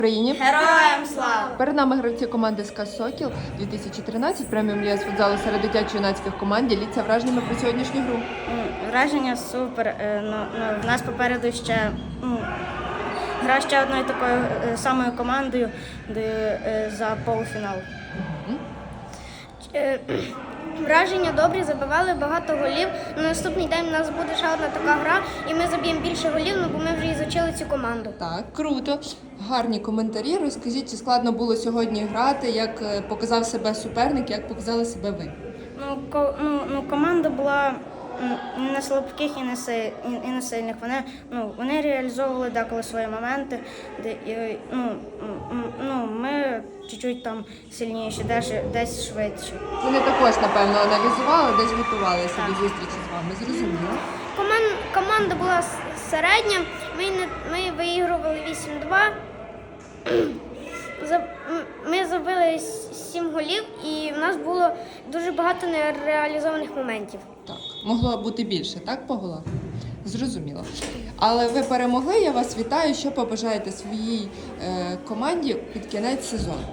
Україні. Героям слава! Перед нами гравці команди СКА «Сокіл» 2013, преміум ліга з футзалу серед дитячо-юнацьких команд. Діліться враженнями про сьогоднішню гру. Враження супер. В нас попереду ще гра ще одною такою самою командою за полуфінал. Враження добрі, забивали багато голів. На наступний день у нас буде ще одна така гра, і ми заб'ємо більше голів, бо ми вже ізучили цю команду. Так, круто. Гарні коментарі. Розкажіть, чи складно було сьогодні грати, як показав себе суперник, як показали себе ви? Команда була не слабких і не сильних. Вони реалізовували деколи свої моменти. Ми чуть-чуть там сильніші, десь швидше. Вони також, напевно, аналізували, десь готувалися до зустрічі з вами. Зрозуміло. Команда була середня, ми виігрували 8-2. Ми забили 7 голів, і в нас було дуже багато нереалізованих моментів. Так, могло бути більше, так, по голах? Зрозуміло. Але ви перемогли, я вас вітаю. Що побажаєте своїй команді під кінець сезону?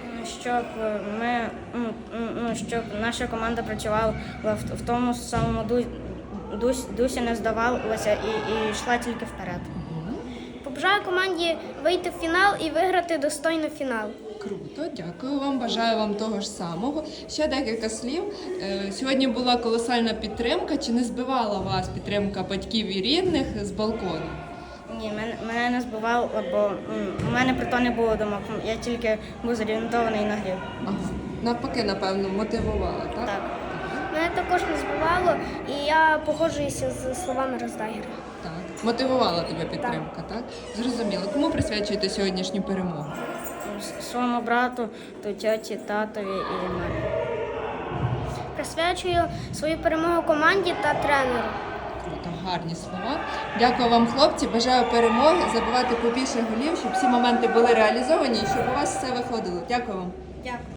Щоб наша команда працювала в тому самому дусі, не здавалася і йшла тільки вперед. Побажаю команді вийти в фінал і виграти достойно фінал. Круто, дякую вам, бажаю вам того ж самого. Ще декілька слів. Сьогодні була колосальна підтримка. Чи не збивала вас підтримка батьків і рідних з балкону? Ні, мене не збивало, бо у мене про то не було думок. Я тільки був зорієнтований на грі. Ага. Навпаки, напевно, мотивувала, так? Так. Мене також не збивало, і я погоджуюся з словами Роздайгера. Так. Мотивувала тебе підтримка, так? Зрозуміло. Кому присвячуєте сьогоднішню перемогу? Своєму брату, то тьоті, татові і мамі. Присвячую свою перемогу команді та тренеру. Круто, гарні слова. Дякую вам, хлопці. Бажаю перемоги, забивати побільше голів, щоб всі моменти були реалізовані і щоб у вас все виходило. Дякую вам. Дякую.